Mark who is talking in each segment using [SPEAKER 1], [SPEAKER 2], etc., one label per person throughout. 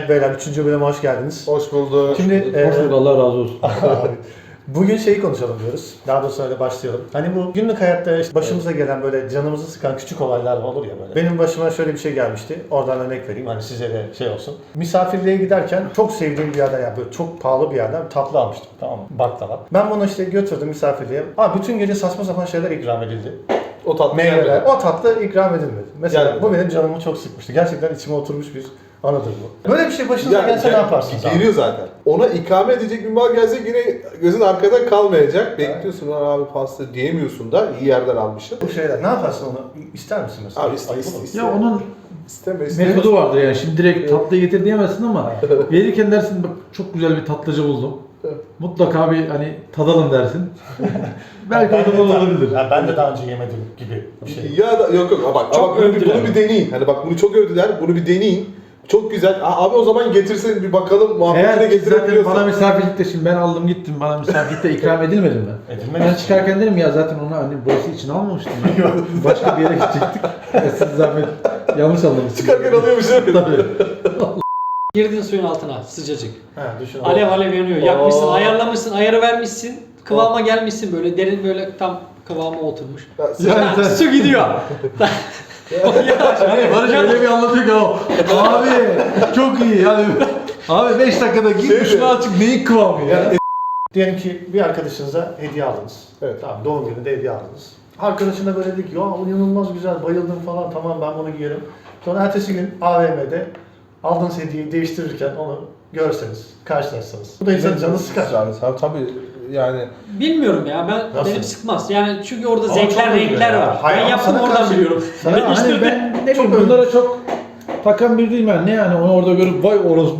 [SPEAKER 1] Evet beyler 3. bölüme hoş geldiniz.
[SPEAKER 2] Hoş bulduk.
[SPEAKER 1] Şimdi
[SPEAKER 3] Hoş bulduk, Allah razı olsun.
[SPEAKER 1] bugün şeyi konuşalım diyoruz. Daha doğrusu öyle başlayalım. Hani bu günlük hayatta işte başımıza gelen böyle canımızı sıkan küçük olaylar olur ya böyle. Benim başıma şöyle bir şey gelmişti. Oradan örnek vereyim hani size de şey olsun. Misafirliğe giderken çok sevdiğim bir yerden yani böyle çok pahalı bir yerden bir tatlı almıştım. Tamam mı? Baklava. Ben bunu işte götürdüm misafirliğe. Abi bütün gece saçma sapan şeyler ikram edildi.
[SPEAKER 2] O tatlı
[SPEAKER 1] Meyveler. O tatlı ikram edilmedi. Mesela
[SPEAKER 2] Yani-
[SPEAKER 1] bu benim canımı çok sıkmıştı. Gerçekten içime oturmuş bir anıdır bu. Böyle bir şey başınıza gelse ne yaparsınız abi?
[SPEAKER 2] Geliyor zaten. Ona ikame edecek bir mal gelse yine gözün arkada kalmayacak. Bekliyorsun lan abi pasta diyemiyorsun da iyi yerden almışsın.
[SPEAKER 1] Bu şeyler ne yaparsın onu? İster misin mesela?
[SPEAKER 2] Abi
[SPEAKER 1] Ayıp olur mu?
[SPEAKER 3] Ya onun
[SPEAKER 2] isteme.
[SPEAKER 3] metodu vardır yani. Şimdi direkt tatlı getir diyemezsin ama verirken dersin bak çok güzel bir tatlıcı buldum. Mutlaka bir hani tadalım dersin. Belki o da olabilir.
[SPEAKER 1] Ya ben de daha önce yemedim gibi bir şey.
[SPEAKER 2] Ya da yok ama bak
[SPEAKER 4] Çok
[SPEAKER 2] ama bunu
[SPEAKER 4] övdüler.
[SPEAKER 2] bir deneyin. Hani bak bunu çok övdüler. Bunu bir deneyin. Çok güzel. Abi o zaman getirsin bir bakalım muhabbetine
[SPEAKER 3] Eğer zaten
[SPEAKER 2] getirebiliyorsan.
[SPEAKER 3] bana misafirlikte şimdi ben aldım gittim bana misafirlikte ikram edilmedi mi?
[SPEAKER 1] Edilmedi.
[SPEAKER 3] Ben çıkarken dedim ya zaten onu hani burası için almamıştım ben. Başka bir yere gidecektik. Siz zahmet yanlış anlamışsınız.
[SPEAKER 2] Çıkarken alıyormuşum.
[SPEAKER 3] Tabii.
[SPEAKER 4] Girdin suyun altına sıcacık.
[SPEAKER 1] Ha, düşün.
[SPEAKER 4] Alev alev yanıyor. Yakmışsın,
[SPEAKER 2] Oo.
[SPEAKER 4] ayarlamışsın, ayarı vermişsin. Kıvama gelmişsin böyle derin böyle tam kıvama oturmuş.
[SPEAKER 3] Yani sen
[SPEAKER 4] Su gidiyor.
[SPEAKER 3] yani Barış öyle bir anlatıyor ki abi çok iyi yani. Abi 5 dakikada git
[SPEAKER 2] Şey
[SPEAKER 3] şunu
[SPEAKER 2] mi?
[SPEAKER 3] açık neyin kıvamı ya?
[SPEAKER 1] Diyelim ki bir arkadaşınıza hediye aldınız.
[SPEAKER 2] Evet.
[SPEAKER 1] Tamam doğum gününde hediye aldınız. Arkadaşına böyle dedi ki ya bu inanılmaz güzel bayıldım falan tamam ben bunu giyerim. Sonra ertesi gün AVM'de aldığınız hediyeyi değiştirirken onu görseniz, karşılaşsanız. Bu da insanın canını sıkar.
[SPEAKER 2] Tabii yani
[SPEAKER 4] Bilmiyorum ya
[SPEAKER 1] Nasıl?
[SPEAKER 4] benim sıkmaz. Yani çünkü orada
[SPEAKER 1] Ama
[SPEAKER 4] zevkler,
[SPEAKER 1] çok övülüyor
[SPEAKER 4] renkler
[SPEAKER 1] ya.
[SPEAKER 4] var.
[SPEAKER 1] Hayır,
[SPEAKER 4] Ben
[SPEAKER 1] ama
[SPEAKER 4] yaptım
[SPEAKER 1] sana
[SPEAKER 4] oradan
[SPEAKER 1] karşı-
[SPEAKER 4] biliyorum.
[SPEAKER 1] sana
[SPEAKER 4] Ben işte
[SPEAKER 3] Hani ben ne bileyim bunlara çok takan bir değilim yani. Ne yani onu orada görüp vay orospu.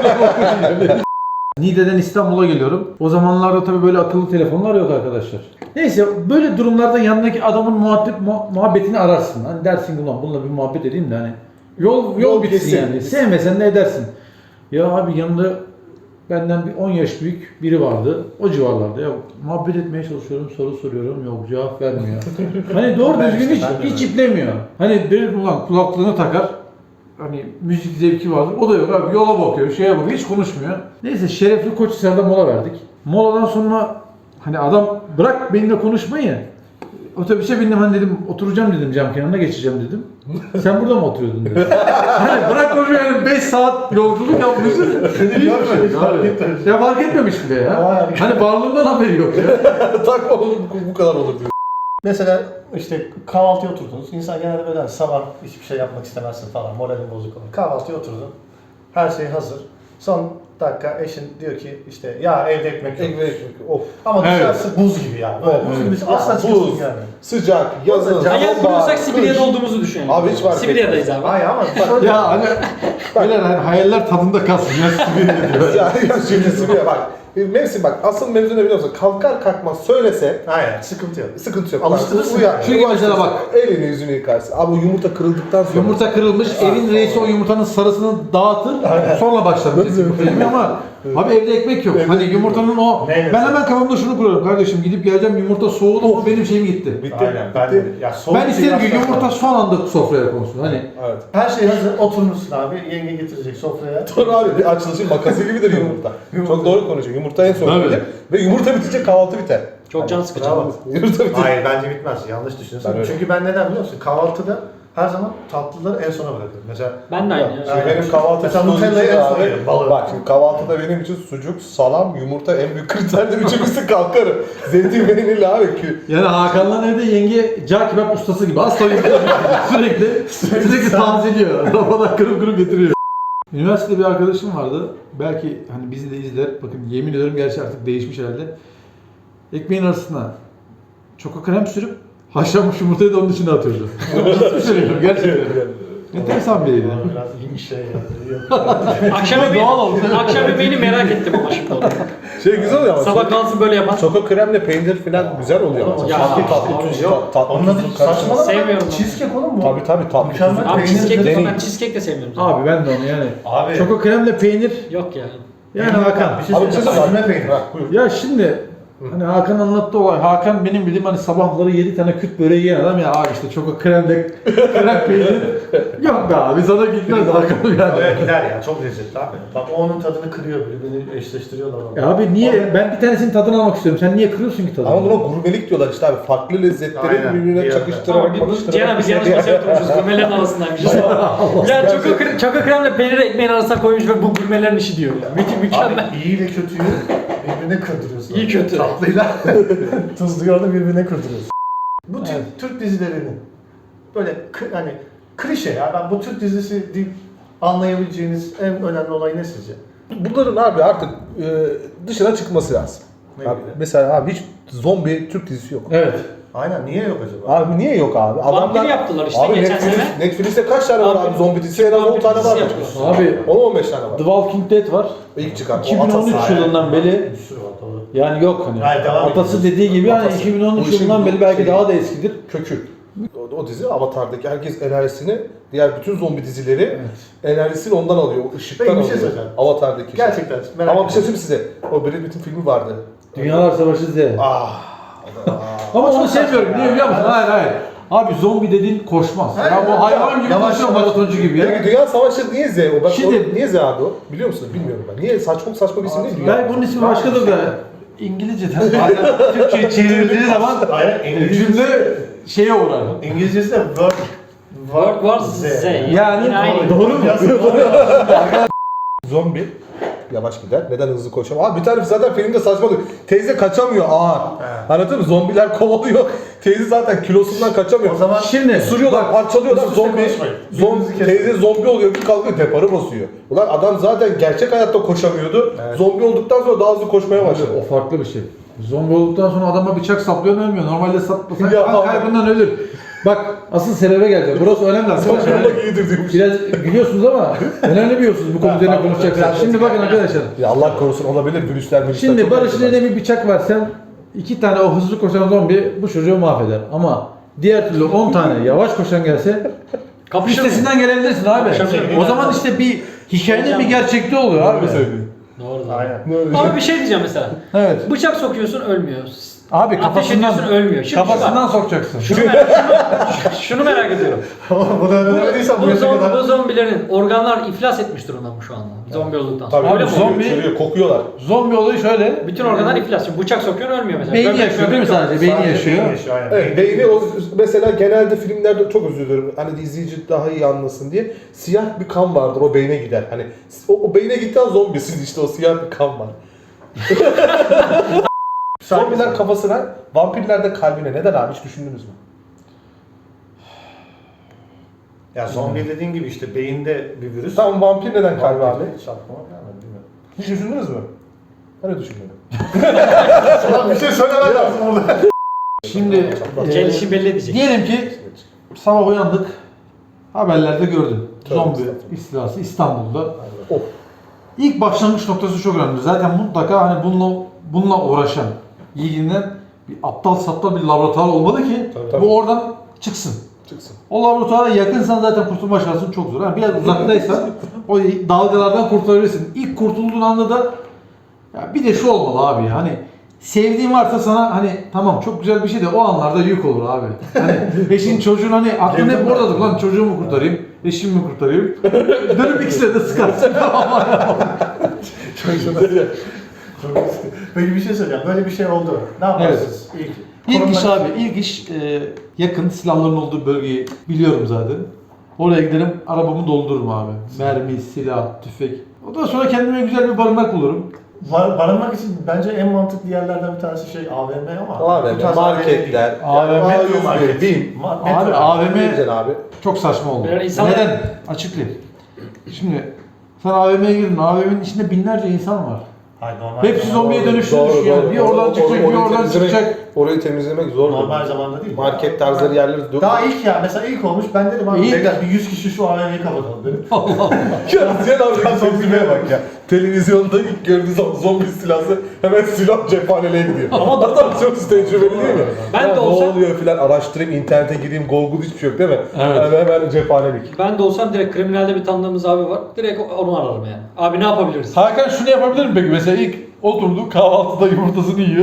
[SPEAKER 3] Niğde'den İstanbul'a geliyorum. O zamanlarda tabii böyle akıllı telefonlar yok arkadaşlar. Neyse böyle durumlarda yanındaki adamın muhabbetini ararsın. Hani dersin ki ulan bununla bir muhabbet edeyim de hani yol bitsin
[SPEAKER 2] geçsin.
[SPEAKER 3] yani. Sevmesen de edersin. Ya abi yanında benden bir 10 yaş büyük biri vardı. O civarlarda ya muhabbet etmeye çalışıyorum, soru soruyorum. Yok cevap vermiyor. Hani doğru
[SPEAKER 1] Ben
[SPEAKER 3] düzgün
[SPEAKER 1] işte, ben de
[SPEAKER 3] hiç iplemiyor. Hani bir ulan kulaklığını takar. Hani müzik zevki vardır. O da yok abi. Yola bakıyor, şeye bakıyor. Hiç konuşmuyor. Neyse Şerefli Koçhisar'da mola verdik. Moladan sonra hani adam bırak benimle konuşmayı. Otobüse bindim hani dedim oturacağım dedim cam kenarına geçeceğim dedim. Sen burada mı oturuyordun dedi. Hani bırak konuşmayı yani 5 saat yolculuk yapmışsın. Ya fark etmemiş bile ya. Hani varlığından haberi yok ya.
[SPEAKER 2] takma oğlum bu kadar olur diyor.
[SPEAKER 1] Mesela işte kahvaltıya oturdunuz. İnsan genelde böyle hani sabah hiçbir şey yapmak istemezsin falan. Moralin bozuk olur. Kahvaltıya oturdun. Her şey hazır. Son dakika eşin diyor ki işte ya evde ekmek yok.
[SPEAKER 2] Ekmek of.
[SPEAKER 1] Ama
[SPEAKER 3] Evet.
[SPEAKER 1] dışarısı buz gibi yani. Böyle buz gibi asla
[SPEAKER 2] Ya,
[SPEAKER 1] çıkıyorsun
[SPEAKER 2] buz,
[SPEAKER 1] yani.
[SPEAKER 2] sıcak, yazın,
[SPEAKER 1] Sıcak.
[SPEAKER 4] Hayal
[SPEAKER 2] sonbahar,
[SPEAKER 4] kuruyorsak Sibirya'da
[SPEAKER 2] kış.
[SPEAKER 4] olduğumuzu düşünelim.
[SPEAKER 2] Abi hiç fark
[SPEAKER 4] Sibirya'dayız abi.
[SPEAKER 1] Hayır ama şöyle
[SPEAKER 3] Ya hani böyle hani hayaller tadında kalsın. Ya Sibirya diyor.
[SPEAKER 2] Ya şimdi Sibirya bak. Mevsim bak asıl mevzu ne biliyor musun? Kalkar kalkmaz söylese
[SPEAKER 1] aynen sıkıntı yok.
[SPEAKER 2] sıkıntı yok.
[SPEAKER 1] Alıştırırsın
[SPEAKER 2] Bak, uyan.
[SPEAKER 1] yani.
[SPEAKER 3] Çünkü mesela bak.
[SPEAKER 2] Elini yüzünü yıkarsın. Abi o yumurta kırıldıktan sonra.
[SPEAKER 3] Yumurta kırılmış, evin reisi o yumurtanın sarısını dağıtır, sonra başlar. Benim ama abi evde ekmek yok. Hani yumurtanın o...
[SPEAKER 1] Neyle?
[SPEAKER 3] Ben hemen kafamda şunu kuruyorum kardeşim, gidip geleceğim yumurta soğudu mu benim şeyim gitti.
[SPEAKER 2] Bitti.
[SPEAKER 1] Aynen ben
[SPEAKER 2] bitti.
[SPEAKER 1] de. Ya soğuk
[SPEAKER 3] Ben
[SPEAKER 1] bir
[SPEAKER 3] isterim ki
[SPEAKER 1] şey
[SPEAKER 3] yumurta
[SPEAKER 1] yapmak
[SPEAKER 3] son anda sofraya konsun. Hani
[SPEAKER 2] Evet.
[SPEAKER 1] her şey hazır oturmuşsun abi. Yenge getirecek sofraya.
[SPEAKER 2] Doğru abi bir açılışın makası gibidir yumurta. Çok doğru konuşuyor. Yumurta en son
[SPEAKER 3] Tabii.
[SPEAKER 2] gelir ve yumurta bitince kahvaltı biter.
[SPEAKER 4] Çok can sıkıcı.
[SPEAKER 1] Bravo.
[SPEAKER 2] Yumurta bitince.
[SPEAKER 1] Hayır bence bitmez. Yanlış düşünüyorsun.
[SPEAKER 2] Ben öyle.
[SPEAKER 1] Çünkü ben neden biliyor musun? Kahvaltıda her zaman tatlıları en sona bırakıyorum. Mesela
[SPEAKER 4] Ben de aynı.
[SPEAKER 2] Şimdi
[SPEAKER 1] Aynen.
[SPEAKER 2] benim kahvaltı
[SPEAKER 1] Mesela
[SPEAKER 2] için
[SPEAKER 1] Nutella'yı en son
[SPEAKER 2] abi,
[SPEAKER 1] yerim, balığı.
[SPEAKER 2] Bak şimdi kahvaltıda benim için sucuk, salam, yumurta en büyük kriterdir. Üçüncüsü kalkarım. Zeytin peynirli abi.
[SPEAKER 3] yani Hakan'la evde yenge cağ kebap ustası gibi asla yumurta sürekli tanziliyor. Rafadan kırıp kırıp getiriyor. Üniversitede bir arkadaşım vardı. Belki hani bizi de izler. Bakın yemin ediyorum gerçi artık değişmiş herhalde. Ekmeğin arasına çoko krem sürüp haşlanmış yumurtayı da onun içine atıyordu. Ciddi söylüyorum gerçekten. Enteresan biriydi.
[SPEAKER 1] biraz ilginç şey yani.
[SPEAKER 4] Akşam akşam yemeğini merak ettim ama şimdi onu.
[SPEAKER 2] Şey güzel oluyor ama.
[SPEAKER 4] Sabah kalsın böyle yapar.
[SPEAKER 2] Çoko kremle peynir falan güzel oluyor ama.
[SPEAKER 4] Ya,
[SPEAKER 2] Tatlı
[SPEAKER 4] abi,
[SPEAKER 2] tatlı tuz,
[SPEAKER 1] yok.
[SPEAKER 2] tatlı
[SPEAKER 1] Onun adı
[SPEAKER 2] tuzun karışımı.
[SPEAKER 1] saçmalama.
[SPEAKER 4] Sevmiyorum ben.
[SPEAKER 1] Cheesecake oğlum bu.
[SPEAKER 2] Tabii tatlı
[SPEAKER 1] Mükemmel.
[SPEAKER 2] tuzun.
[SPEAKER 4] Abi cheesecake
[SPEAKER 2] Deneyin.
[SPEAKER 4] ben cheesecake de sevmiyorum. zaten.
[SPEAKER 3] Abi ben de onu yani.
[SPEAKER 1] Abi.
[SPEAKER 3] Çoko kremle peynir.
[SPEAKER 4] Yok ya.
[SPEAKER 3] Yani Hakan.
[SPEAKER 1] Bir şey
[SPEAKER 2] Abi bir şey
[SPEAKER 1] söyleyeyim.
[SPEAKER 2] söyleyeyim.
[SPEAKER 1] Süzme peynir.
[SPEAKER 2] Ha, buyur.
[SPEAKER 3] Ya şimdi Hani Hakan anlattı olay. Hakan benim bildiğim hani sabahları 7 tane küt böreği yiyen adam ya abi işte çok o krem peynir. Yok be abi sana gitmez Hakan yani.
[SPEAKER 1] Oraya gider ya, çok lezzetli abi. Bak o onun tadını kırıyor, birbirini eşleştiriyorlar.
[SPEAKER 3] Ya abi niye? Ben bir tanesinin tadını almak istiyorum. Sen niye kırıyorsun ki tadını?
[SPEAKER 2] Ama buna gurmelik diyorlar işte abi. Farklı lezzetleri
[SPEAKER 1] Aynen.
[SPEAKER 2] birbirine
[SPEAKER 1] Bir
[SPEAKER 2] çakıştırarak
[SPEAKER 4] Cihan biz yanlış masaya oturmuşuz. Gurmelerin arasındaymışız. Ya çoko kremle peynir ekmeğin arasına koymuş ve bu gurmelerin işi diyor ya. Mükemmel.
[SPEAKER 1] Abi iyi ile kötüyü birbirine kırdırıyorsun.
[SPEAKER 4] İyi kötü.
[SPEAKER 1] Tatlıyla tuzluyu da birbirine kırdırıyorsun. Bu tür
[SPEAKER 3] Evet.
[SPEAKER 1] Türk dizilerinin böyle hani klişe ya, ben bu Türk dizisi deyip anlayabileceğiniz en önemli olay ne sizce?
[SPEAKER 2] Bunların abi artık dışına çıkması lazım.
[SPEAKER 1] Ne
[SPEAKER 2] Abi,
[SPEAKER 1] gibi?
[SPEAKER 2] mesela abi hiç zombi Türk dizisi yok.
[SPEAKER 3] Evet.
[SPEAKER 1] Aynen, niye yok acaba?
[SPEAKER 2] Abi niye yok abi?
[SPEAKER 4] Vampir yaptılar işte
[SPEAKER 2] abi
[SPEAKER 4] geçen
[SPEAKER 2] Netflix,
[SPEAKER 4] sene.
[SPEAKER 2] Netflix'te kaç tane var abi zombi dizisi? En az 10 tane var.
[SPEAKER 4] yapıyorsun.
[SPEAKER 3] Abi
[SPEAKER 2] 10-15 tane var.
[SPEAKER 3] The Walking Dead var.
[SPEAKER 2] İlk çıkan.
[SPEAKER 3] 2013 yılından beri
[SPEAKER 1] Bir sürü var, doğru.
[SPEAKER 3] yani yok hani.
[SPEAKER 1] Hayır, devam
[SPEAKER 3] Atası
[SPEAKER 1] ediyoruz.
[SPEAKER 3] dediği gibi hani
[SPEAKER 2] Atası.
[SPEAKER 3] 2013
[SPEAKER 2] Bu işin
[SPEAKER 3] yılından beri belki
[SPEAKER 2] şeyi.
[SPEAKER 3] daha da eskidir.
[SPEAKER 2] Kökü. O dizi Avatar'daki herkes enerjisini, diğer bütün zombi dizileri enerjisini ondan alıyor. O ışıktan
[SPEAKER 1] Peki, bir şey
[SPEAKER 2] alıyor.
[SPEAKER 1] söyleyeceğim.
[SPEAKER 2] Avatar'daki.
[SPEAKER 1] Gerçekten merak
[SPEAKER 2] Ama bir şey
[SPEAKER 1] ediyorum.
[SPEAKER 2] söyleyeyim size. O Brad Pitt'in filmi vardı.
[SPEAKER 3] Dünyalar Savaşı Z.
[SPEAKER 2] Ah.
[SPEAKER 3] Ama onu sevmiyorum.
[SPEAKER 1] saçma
[SPEAKER 3] Niye
[SPEAKER 1] ya.
[SPEAKER 3] biliyor musun? Hayır. Abi zombi dediğin koşmaz.
[SPEAKER 1] Hayır,
[SPEAKER 3] Ya bu
[SPEAKER 1] ya.
[SPEAKER 3] hayvan gibi
[SPEAKER 1] Yavaş
[SPEAKER 3] koşuyor
[SPEAKER 1] yavaş.
[SPEAKER 3] maratoncu gibi ya.
[SPEAKER 2] Peki Dünya Savaşı niye Z o?
[SPEAKER 3] Şimdi-
[SPEAKER 2] Niye Z abi o? Biliyor musunuz? Bilmiyorum ben. Niye? Saçma saçma bir isim değil Dünya.
[SPEAKER 3] Belki bunun ismi başkadır da İngilizceden bazen Türkçe'ye çevrildiği zaman
[SPEAKER 1] Hayır,
[SPEAKER 3] cümle şeye uğrar.
[SPEAKER 1] İngilizcesi de
[SPEAKER 4] World War Z.
[SPEAKER 3] Yani
[SPEAKER 4] Yine aynı.
[SPEAKER 3] doğru mu?
[SPEAKER 2] Zombi yavaş gider. Neden hızlı koşamıyor? Abi bir tane zaten filmde saçmalık. Teyze kaçamıyor ağır. Anladın mı? Zombiler kovalıyor. Teyze zaten kilosundan kaçamıyor.
[SPEAKER 1] O zaman
[SPEAKER 3] Şimdi
[SPEAKER 2] Sürüyorlar, parçalıyorlar,
[SPEAKER 1] Üst üste
[SPEAKER 2] zombi,
[SPEAKER 1] konuşmayın. Birbirinizi kesin.
[SPEAKER 2] teyze zombi oluyor, bir kalkıyor, deparı basıyor. Ulan adam zaten gerçek hayatta koşamıyordu, zombi olduktan sonra daha hızlı koşmaya başladı.
[SPEAKER 3] o farklı bir şey. Zombi olduktan sonra adama bıçak saplıyorsun ölmüyor. Normalde saplasan
[SPEAKER 2] Ya
[SPEAKER 3] kan
[SPEAKER 2] abi.
[SPEAKER 3] kaybından ölür. Bak asıl sebebe geleceğim. Burası önemli arkadaşlar.
[SPEAKER 2] Zombi iyidir diyormuş.
[SPEAKER 3] Biraz gülüyorsunuz ama önemli biliyorsunuz bu konu üzerine konuşacaklar. Şimdi bakın arkadaşlar.
[SPEAKER 2] Ya Allah korusun olabilir, virüsler
[SPEAKER 3] Şimdi
[SPEAKER 2] çok
[SPEAKER 3] Barış'ın
[SPEAKER 2] önemli.
[SPEAKER 3] eline bir bıçak versen 2 tane o hızlı koşan zombi bu çocuğu mahveder. Ama diğer türlü 10 tane yavaş koşan gelse
[SPEAKER 4] Kapışır mı?
[SPEAKER 3] üstesinden gelebilirsin abi.
[SPEAKER 4] Kapışır.
[SPEAKER 3] O zaman işte bir hikayenin bir gerçekliği oluyor abi.
[SPEAKER 2] Öyle söylüyor.
[SPEAKER 4] Doğru.
[SPEAKER 1] Aynen.
[SPEAKER 4] Abi bir şey diyeceğim mesela.
[SPEAKER 3] Evet.
[SPEAKER 4] Bıçak sokuyorsun ölmüyor.
[SPEAKER 3] Abi
[SPEAKER 4] Ateş
[SPEAKER 3] kafasından
[SPEAKER 4] ediyorsun ölmüyor. Şimdi
[SPEAKER 3] kafasından sokacaksın.
[SPEAKER 4] şunu merak ediyorum.
[SPEAKER 1] Bunu öğrenmediysen bu yaşa
[SPEAKER 4] Bu
[SPEAKER 1] kadar.
[SPEAKER 4] zombilerin organlar iflas etmiş durumda mı şu anda? Zombi olduktan sonra.
[SPEAKER 2] Tabii
[SPEAKER 4] Öyle mi?
[SPEAKER 3] zombi-
[SPEAKER 2] kokuyorlar.
[SPEAKER 3] Zombi olayı şöyle.
[SPEAKER 4] Bütün organlar iflas. Şimdi bıçak sokuyorsun ölmüyor mesela.
[SPEAKER 3] Beyni
[SPEAKER 4] Göbek
[SPEAKER 3] yaşıyor değil mi
[SPEAKER 4] yok.
[SPEAKER 3] sadece? Beyni
[SPEAKER 1] Sadece
[SPEAKER 3] yaşıyor.
[SPEAKER 1] aynen.
[SPEAKER 2] Evet, beyni o mesela genelde filmlerde çok özür dilerim. Hani izleyici daha iyi anlasın diye siyah bir kan vardır o beyne gider. Hani o beyne giden zombisiz işte o siyah bir kan var. Zombiler kafasına, vampirler de kalbine. Neden abi hiç düşündünüz mü?
[SPEAKER 1] Ya zombi dediğin gibi işte beyinde bir virüs.
[SPEAKER 2] Tamam vampir neden kalbi abi?
[SPEAKER 1] Hiç aklıma gelmedi, bilmiyorum.
[SPEAKER 2] Hiç düşündünüz mü? Ben de düşünmedim.
[SPEAKER 1] Sana bir şey söylemen lazım burada.
[SPEAKER 3] Şimdi
[SPEAKER 4] Gelişi belli edecek.
[SPEAKER 3] diyelim ki sabah uyandık. Haberlerde gördün.
[SPEAKER 2] Tabii,
[SPEAKER 3] Zombi
[SPEAKER 2] estağfurullah.
[SPEAKER 3] istilası İstanbul'da.
[SPEAKER 2] Of.
[SPEAKER 3] İlk başlangıç noktası çok önemli. Zaten mutlaka hani bununla uğraşan, ilgilenen bir aptal saptal bir laboratuvar olmalı ki
[SPEAKER 2] Tabii.
[SPEAKER 3] bu oradan çıksın.
[SPEAKER 2] Çıksın.
[SPEAKER 3] O laboratuvara yakınsan zaten kurtulma şansın çok zor. Yani biraz uzaktaysan o dalgalardan kurtulabilirsin. İlk kurtulduğun anda da ya bir de şu olmalı abi hani sevdiğin varsa sana hani tamam çok güzel bir şey de o anlarda yük olur abi. Hani eşin çocuğun hani aklın hep oradadır lan çocuğumu kurtarayım, eşimi mi kurtarayım. Dönüp ikisine de sıkarsın.
[SPEAKER 1] Peki bir şey söyleyeceğim. Böyle bir şey oldu. Ne yaparsınız?
[SPEAKER 3] İlk iş abi, ilk iş yakın silahların olduğu bölgeyi biliyorum zaten. Oraya giderim, arabamı doldururum abi. Mermi, silah, tüfek. Ondan sonra kendime güzel bir barınak bulurum.
[SPEAKER 1] Barınmak için bence en mantıklı yerlerden bir tanesi şey AVM ama.
[SPEAKER 2] AVM,
[SPEAKER 1] bu tarz
[SPEAKER 2] marketler,
[SPEAKER 1] AVM değil.
[SPEAKER 3] AVM,
[SPEAKER 1] Metro market.
[SPEAKER 2] BİM.
[SPEAKER 3] Abi AVM
[SPEAKER 2] Güzel abi.
[SPEAKER 3] çok saçma oldu.
[SPEAKER 4] Böyle insanlar-
[SPEAKER 3] Neden? Açıklayayım. Şimdi sen AVM'ye girdin, AVM'nin içinde binlerce insan var.
[SPEAKER 1] Hayır, normal
[SPEAKER 3] Hepsi
[SPEAKER 1] zamanda
[SPEAKER 3] zombiye
[SPEAKER 1] olur.
[SPEAKER 3] dönüştü yani. Bir oradan çıkacak, bir
[SPEAKER 2] Orayı
[SPEAKER 3] oradan
[SPEAKER 2] temizlemek-
[SPEAKER 3] çıkacak.
[SPEAKER 2] Orayı temizlemek zor.
[SPEAKER 1] Normal zamanda değil.
[SPEAKER 2] Market tarzları yerleri
[SPEAKER 1] Daha ilk ya. Mesela ilk olmuş. Ben dedim abi
[SPEAKER 3] İlk-
[SPEAKER 1] beyler bir 100 kişi şu AVM'yi kapatalım dedim.
[SPEAKER 2] Ya Ziyan abi zombime bak ya. Televizyonda ilk gördüğü zaman zombi istilası hemen silah cephaneliğe gidiyor. Ama adam çok tecrübeli değil mi?
[SPEAKER 4] Ben
[SPEAKER 2] Ya
[SPEAKER 4] de
[SPEAKER 2] ne
[SPEAKER 4] olsam-
[SPEAKER 2] oluyor filan araştırayım, internete gireyim, Google hiçbir şey yok değil mi?
[SPEAKER 3] Evet.
[SPEAKER 2] Hemen cephanelik.
[SPEAKER 4] Ben de olsam direkt kriminalde bir tanıdığımız abi var. Direkt onu ararım yani. Abi ne yapabiliriz?
[SPEAKER 3] Hakan şunu yapabilir mi peki? Mesela ilk oturdu kahvaltıda yumurtasını yiyor.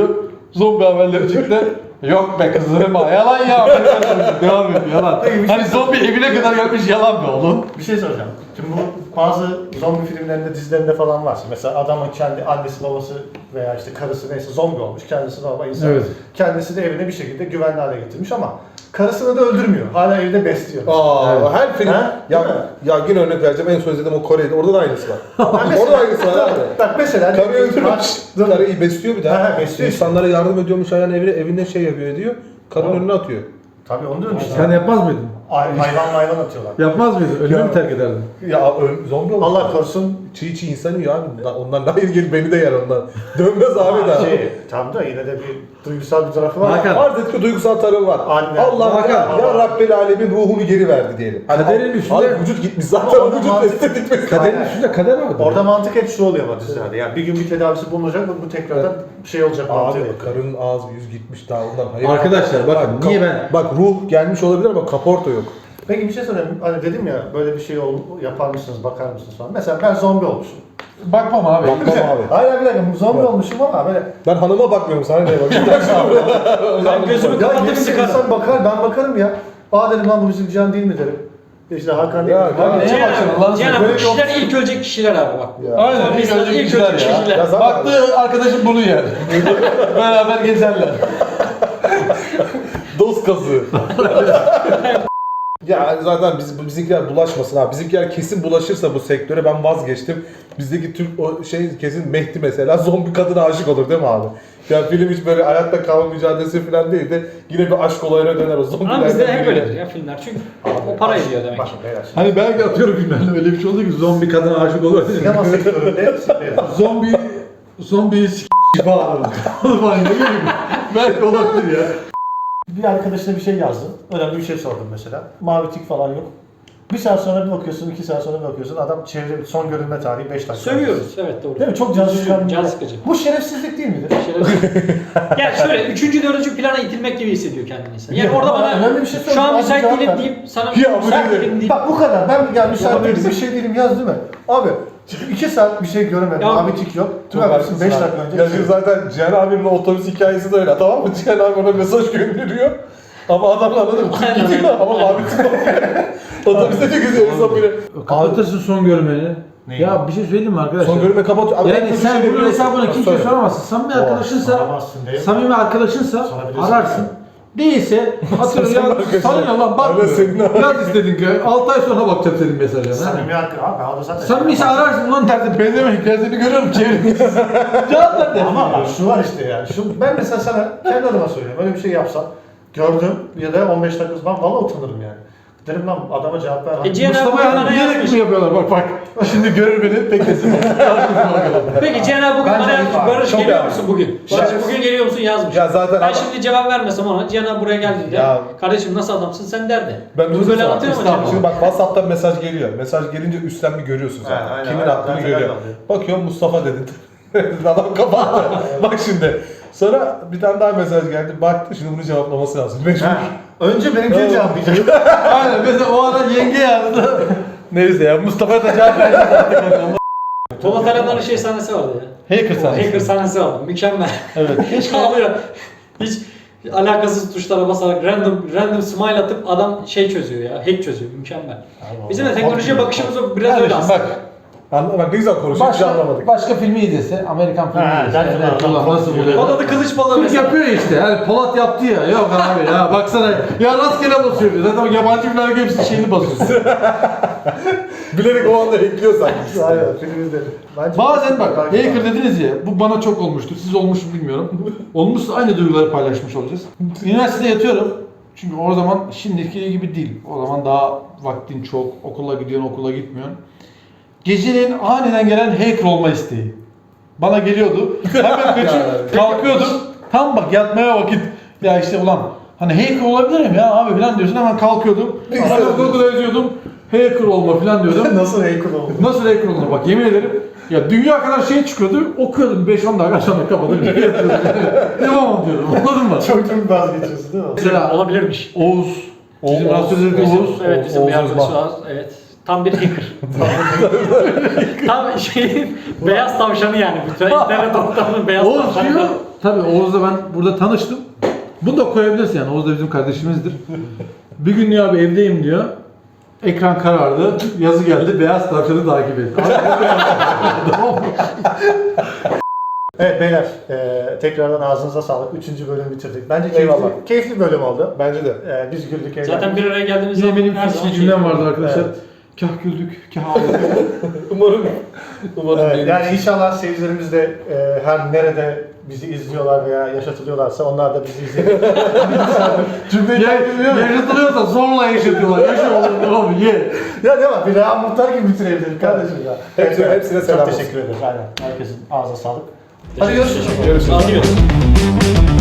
[SPEAKER 3] Zombi haberleri çıktı. Yok be kızım, yalan ya. Devam et, yalan. Hani zombi evine kadar gelmiş, yalan be oğlum.
[SPEAKER 1] Bir şey soracağım. Şimdi bu bazı zombi filmlerinde, dizilerinde falan varsa mesela adamın kendi annesi babası veya işte karısı neyse zombi olmuş, kendisi normal insan.
[SPEAKER 3] Evet.
[SPEAKER 1] Kendisi de evine bir şekilde güvenli hale getirmiş ama karısını da öldürmüyor. Hala evde besliyor.
[SPEAKER 2] Aa, her film.
[SPEAKER 1] Ha?
[SPEAKER 2] Ya,
[SPEAKER 1] Değil mi?
[SPEAKER 2] ya yine örnek vereceğim. En son izlediğim o Kore'de. Orada da aynısı var. Orada da aynısı var abi.
[SPEAKER 1] Bak mesela
[SPEAKER 2] Karıyı öldürmüş.
[SPEAKER 1] Dur.
[SPEAKER 2] Karıyı besliyor bir daha.
[SPEAKER 1] Ha, besliyor.
[SPEAKER 2] İnsanlara yardım ediyormuş, ayağına evinde şey yapıyor ediyor. Karının
[SPEAKER 1] Tamam.
[SPEAKER 2] önüne atıyor.
[SPEAKER 1] Tabii onu diyorum işte.
[SPEAKER 3] Sen yapmaz mıydın?
[SPEAKER 1] Hayvan atıyorlar.
[SPEAKER 3] Yapmaz mıydın? Ölümü mü terk ederdin?
[SPEAKER 2] Ya zombi olmuş.
[SPEAKER 1] Allah korusun.
[SPEAKER 2] Çiğ insan yiyor abi. Ondan daha ilgili beni de yer ondan. Dönmez abi daha.
[SPEAKER 1] Tam da yine de bir duygusal bir tarafı var.
[SPEAKER 3] Hakan.
[SPEAKER 2] Farz et ki duygusal tarafı var.
[SPEAKER 1] Anne.
[SPEAKER 2] Allah
[SPEAKER 3] Hakan.
[SPEAKER 2] ya Rabbel Alemin ruhunu geri verdi diyelim.
[SPEAKER 3] Kaderin
[SPEAKER 2] abi,
[SPEAKER 3] üstünde-
[SPEAKER 2] abi vücut gitmiş zaten
[SPEAKER 1] Orada
[SPEAKER 2] vücut
[SPEAKER 1] mantık-
[SPEAKER 2] estetik
[SPEAKER 3] Kaderin üstünde kader vardır.
[SPEAKER 1] Orada mantık hep şu oluyor ama dizilerde. Yani bir gün bir tedavisi bulunacak ve bu tekrardan şey olacak mantığı.
[SPEAKER 2] Abi karının ağzı yüz gitmiş daha ondan hayır.
[SPEAKER 3] Arkadaşlar bakın, niye ben...
[SPEAKER 2] Bak ruh gelmiş olabilir ama kaporta yok.
[SPEAKER 1] Peki bir şey sorayım. Hani dedim ya böyle bir şey yapar mısınız, bakar mısınız falan. Mesela ben zombi olmuşum.
[SPEAKER 3] Bakmam abi.
[SPEAKER 2] Bakmam abi.
[SPEAKER 1] Hayır bir dakika zombi olmuşum ama böyle
[SPEAKER 2] Ben hanıma bakmıyorum sana neye bakıyorum.
[SPEAKER 4] Ben gözümü
[SPEAKER 1] ya
[SPEAKER 4] kapatıp
[SPEAKER 1] birisi
[SPEAKER 4] sıkarım.
[SPEAKER 1] insan bakar, ben bakarım ya. Aa dedim lan bu bizim Cihan değil mi derim. İşte Hakan değil
[SPEAKER 2] Ya,
[SPEAKER 1] mi?
[SPEAKER 2] ya,
[SPEAKER 1] Abi,
[SPEAKER 3] neye
[SPEAKER 4] Cihan
[SPEAKER 3] bakacaksın Allah'ını
[SPEAKER 4] abi, Cihan
[SPEAKER 3] seversen?
[SPEAKER 4] abi, bu kişiler ilk ölecek kişiler abi bak.
[SPEAKER 2] Ya.
[SPEAKER 3] Aynen,
[SPEAKER 4] Sonra
[SPEAKER 3] ilk
[SPEAKER 4] insanlar
[SPEAKER 3] ölecek
[SPEAKER 4] ilk
[SPEAKER 3] kişiler
[SPEAKER 4] ölecek
[SPEAKER 3] ya.
[SPEAKER 4] kişiler.
[SPEAKER 2] Ya zaten-
[SPEAKER 3] Baktı arkadaşım bunu yer. Beraber gezerler.
[SPEAKER 2] Dost kazığı. Ya zaten bizimkiler bulaşmasın abi. Bizimkiler kesin bulaşırsa bu sektöre ben vazgeçtim. Bizdeki Türk o şey kesin Mehdi mesela zombi kadına aşık olur değil mi abi? Ya film hiç böyle hayatta kalma mücadelesi falan değil de yine bir aşk olayına döner o zombiler.
[SPEAKER 4] Ama bizde hep öyledir ya filmler çünkü o para ediyor demek
[SPEAKER 1] Bak
[SPEAKER 4] ki.
[SPEAKER 1] beyler şimdi.
[SPEAKER 3] Hani belki atıyorum filmlerle öyle bir şey oldu ki zombi kadına aşık olur.
[SPEAKER 1] Sinema sektöründe
[SPEAKER 3] Zombi falan olur. Falan ne bileyim. Belki olabilir ya.
[SPEAKER 1] bir arkadaşına bir şey yazdın. Önemli bir şey sordum mesela. Mavi tik falan yok. Bir saat sonra bir bakıyorsun, 2 saat sonra bir bakıyorsun. Adam çevre son görülme tarihi 5 dakika.
[SPEAKER 4] Sövüyoruz evet doğru.
[SPEAKER 1] Değil mi? Çok can sıkan.
[SPEAKER 4] Can sıkıcı.
[SPEAKER 1] Bu şerefsizlik değil midir?
[SPEAKER 4] Yani şöyle 3. 4. plana itilmek gibi hissediyor kendini insan. Yani
[SPEAKER 1] Ya,
[SPEAKER 4] orada
[SPEAKER 1] ama
[SPEAKER 4] bana
[SPEAKER 1] önemli bir şey
[SPEAKER 4] şu
[SPEAKER 1] söyle,
[SPEAKER 4] an
[SPEAKER 1] abi
[SPEAKER 4] müsait
[SPEAKER 1] cevap
[SPEAKER 4] değilim
[SPEAKER 1] ver.
[SPEAKER 4] deyip sana
[SPEAKER 2] Ya, bu
[SPEAKER 4] müsait
[SPEAKER 2] nedir?
[SPEAKER 4] değilim deyip
[SPEAKER 1] Bak bu kadar. Ben yani müsait değilim,
[SPEAKER 4] Yapabilirsin.
[SPEAKER 1] bir şey değilim yaz değil mi? Abi 2 saat bir şey göremedim.
[SPEAKER 4] Ya,
[SPEAKER 1] Mavi tik yok. Tüm
[SPEAKER 2] Çok
[SPEAKER 1] haklısın 5
[SPEAKER 2] haklısın
[SPEAKER 1] dakika
[SPEAKER 2] abi.
[SPEAKER 1] önce.
[SPEAKER 2] Ya şimdi zaten Cihan abinin otobüs hikayesi de öyle tamam mı? Cihan abi ona mesaj gönderiyor. Ama adam anladın mı? Tüm gidiyor ama mavi tık otobüste çok güzel insan biri.
[SPEAKER 3] Kapatırsın son görmeni.
[SPEAKER 1] Neyi?
[SPEAKER 3] Ya bir şey söyleyeyim mi arkadaşlar?
[SPEAKER 2] Son görme kapatıyor. Abi en
[SPEAKER 3] Yani
[SPEAKER 2] kötü
[SPEAKER 3] sen
[SPEAKER 2] şey
[SPEAKER 3] bunun
[SPEAKER 2] biliyorsun.
[SPEAKER 3] hesabını kimseye
[SPEAKER 2] Söyle.
[SPEAKER 3] soramazsın. Samimi arkadaşınsa,
[SPEAKER 1] soramazsın değil mi?
[SPEAKER 3] samimi arkadaşınsa
[SPEAKER 1] Sorabilirsin.
[SPEAKER 3] ararsın. Değilse atıyorum
[SPEAKER 2] Sen
[SPEAKER 3] ya
[SPEAKER 2] arkadaşın.
[SPEAKER 3] sana ne lan
[SPEAKER 2] Aynen senin
[SPEAKER 3] bakmıyor.
[SPEAKER 2] abi.
[SPEAKER 3] Yaz istedin ki 6 ay sonra bakacağım senin mesajına.
[SPEAKER 1] Samimi hakkı abi. Abi zaten.
[SPEAKER 3] Samimiyse ararsın lan derdi benzemek ya seni görüyorum çevreni. Cevap ver dersin.
[SPEAKER 1] Ama bak şu var işte yani. Ben mesela sana kendi adıma söylüyorum. Öyle bir şey yapsam gördüm ya da 15 dakika ben valla utanırım yani. Derim lan adama cevap ver.
[SPEAKER 4] Cihan abi
[SPEAKER 3] Mustafa
[SPEAKER 4] bana
[SPEAKER 3] yani bilerek
[SPEAKER 4] yazmış.
[SPEAKER 3] mi yapıyorlar bak bak. Şimdi görür beni beklesin.
[SPEAKER 4] Peki Cihan abi bugün
[SPEAKER 1] Bence
[SPEAKER 4] bana yazmış.
[SPEAKER 1] iyi.
[SPEAKER 4] Barış
[SPEAKER 2] Çok
[SPEAKER 4] geliyor
[SPEAKER 2] yani.
[SPEAKER 4] musun bugün? Barış bugün geliyor musun yazmış.
[SPEAKER 2] Ya zaten
[SPEAKER 4] Ben
[SPEAKER 2] ama-
[SPEAKER 4] şimdi cevap vermesem ona Cihan abi buraya geldiğinde
[SPEAKER 2] Ya.
[SPEAKER 4] kardeşim nasıl adamsın sen derdi.
[SPEAKER 2] Ben
[SPEAKER 4] Bunu
[SPEAKER 2] bunu
[SPEAKER 4] böyle
[SPEAKER 2] sana
[SPEAKER 4] anlatıyor mu
[SPEAKER 2] Şimdi
[SPEAKER 4] Cihan abi?
[SPEAKER 2] bak WhatsApp'tan mesaj geliyor. Mesaj gelince üstten bir görüyorsun zaten.
[SPEAKER 1] Ha, aynen,
[SPEAKER 2] Kimin
[SPEAKER 1] aynen.
[SPEAKER 2] attığını
[SPEAKER 1] Zaten
[SPEAKER 2] görüyor.
[SPEAKER 1] öyle oluyor.
[SPEAKER 2] Bakıyorum Mustafa dedin. Adam kapattı. Bak şimdi. Sonra bir tane daha mesaj geldi. Baktı şimdi bunu cevaplaması lazım. Mecbur.
[SPEAKER 1] Ha, önce benimkini
[SPEAKER 2] Evet.
[SPEAKER 1] cevaplayacak.
[SPEAKER 3] Aynen mesela o ara yenge yazdı. Neyse ya Mustafa da cevap verdi.
[SPEAKER 4] Polat Alemdar'ın şey sahnesi vardı ya.
[SPEAKER 3] Hacker sahnesi.
[SPEAKER 4] Hacker sahnesi vardı. Mükemmel.
[SPEAKER 3] Evet.
[SPEAKER 4] Keşke alıyor. Hiç alakasız tuşlara basarak random smile atıp adam şey çözüyor ya. Hack çözüyor. Mükemmel. Bizim de teknolojiye bakışımız o biraz öyle aslında.
[SPEAKER 3] Bak.
[SPEAKER 2] Bak ne güzel konuşuyor. Hiç anlamadık.
[SPEAKER 3] Başka filmi izlese, Amerikan filmi
[SPEAKER 1] Ha,
[SPEAKER 3] izlese.
[SPEAKER 1] zaten
[SPEAKER 3] Evet,
[SPEAKER 1] adam
[SPEAKER 3] ulan nasıl
[SPEAKER 1] korkuyor.
[SPEAKER 3] buluyor?
[SPEAKER 4] O da kılıç balığı
[SPEAKER 3] Türk
[SPEAKER 4] mesela.
[SPEAKER 3] yapıyor işte. Yani Polat yaptı ya. Yok abi ya baksana. Ya rastgele basıyor. Zaten yabancı filmlerde hepsi şeyini basıyor.
[SPEAKER 2] Bilerek o anda ekliyor sanki.
[SPEAKER 1] Aynen film izledim. Bence
[SPEAKER 3] Bazen bak
[SPEAKER 1] Belki
[SPEAKER 3] hacker
[SPEAKER 1] var.
[SPEAKER 3] dediniz ya. Bu bana çok olmuştur. Siz olmuş mu bilmiyorum. Olmuşsa aynı duyguları paylaşmış olacağız. Üniversitede yatıyorum. Çünkü o zaman şimdiki gibi değil. O zaman daha vaktin çok. Okula gidiyorsun, okula gitmiyorsun. Geceleyin aniden gelen hacker olma isteği. Bana geliyordu. Hemen kaçıp kalkıyordum. Tam bak yatmaya vakit. Ya işte ulan hani hacker olabilirim ya abi falan diyorsun. Hemen kalkıyordum. Hemen Google'a yazıyordum. Hacker olma falan diyordum.
[SPEAKER 1] Nasıl hacker oldu?
[SPEAKER 3] Nasıl hacker olunur bak yemin ederim. Ya dünya kadar şey çıkıyordu. Okuyordum 5-10 dakika sonra kapatıp yatıyordum. Devam diyordum. Anladın mı?
[SPEAKER 1] Çok vazgeçiyorsun değil mi?
[SPEAKER 3] Mesela
[SPEAKER 4] Olabilirmiş.
[SPEAKER 3] Oğuz. Bizim rahatsızlık Oğuz.
[SPEAKER 4] Evet bizim bir
[SPEAKER 2] Oğuz
[SPEAKER 4] arkadaş
[SPEAKER 2] Uzman.
[SPEAKER 4] var. Evet. Tam bir hacker. Tam şeyin beyaz tavşanı yani. Bütün internet ortamının beyaz
[SPEAKER 3] Oğuz
[SPEAKER 4] tavşanı.
[SPEAKER 3] diyor. Tabii Oğuz'la ben burada tanıştım. Bunu da koyabilirsin yani. Oğuz da bizim kardeşimizdir. Bir gün diyor abi evdeyim diyor. Ekran karardı. Yazı geldi. Beyaz tavşanı takip et.
[SPEAKER 1] Evet beyler, tekrardan ağzınıza sağlık. 3. bölümü bitirdik. Bence
[SPEAKER 2] Eyvallah.
[SPEAKER 1] keyifli bölüm oldu.
[SPEAKER 2] Bence de.
[SPEAKER 1] Biz güldük, eğlendik.
[SPEAKER 4] Zaten bir araya geldiğimiz
[SPEAKER 3] Yine
[SPEAKER 4] zaman
[SPEAKER 3] benim
[SPEAKER 4] her zaman
[SPEAKER 3] bir cümlem
[SPEAKER 4] keyifli.
[SPEAKER 3] vardı arkadaşlar.
[SPEAKER 1] Evet.
[SPEAKER 3] Kah güldük, kah ağladık.
[SPEAKER 2] Umarım
[SPEAKER 1] Evet,
[SPEAKER 2] benim
[SPEAKER 1] yani
[SPEAKER 2] için-
[SPEAKER 1] inşallah seyircilerimiz de her nerede bizi izliyorlar veya yaşatılıyorlarsa onlar da bizi izleyebilir. Cümleyi bilmiyorum.
[SPEAKER 3] Yaşatılıyorsa zorla yaşatıyorlar. Yaşa oğlum ne olur ye.
[SPEAKER 1] Ya ne var? Bir Reha Muhtar gibi bitirebilirim kardeşim ya.
[SPEAKER 2] Hepsine selam
[SPEAKER 1] Çok
[SPEAKER 2] olsun.
[SPEAKER 1] teşekkür ederiz. Aynen. Herkesin ağzına sağlık. Hadi görüşürüz.
[SPEAKER 2] Görüşürüz.
[SPEAKER 4] Hadi görüşürüz.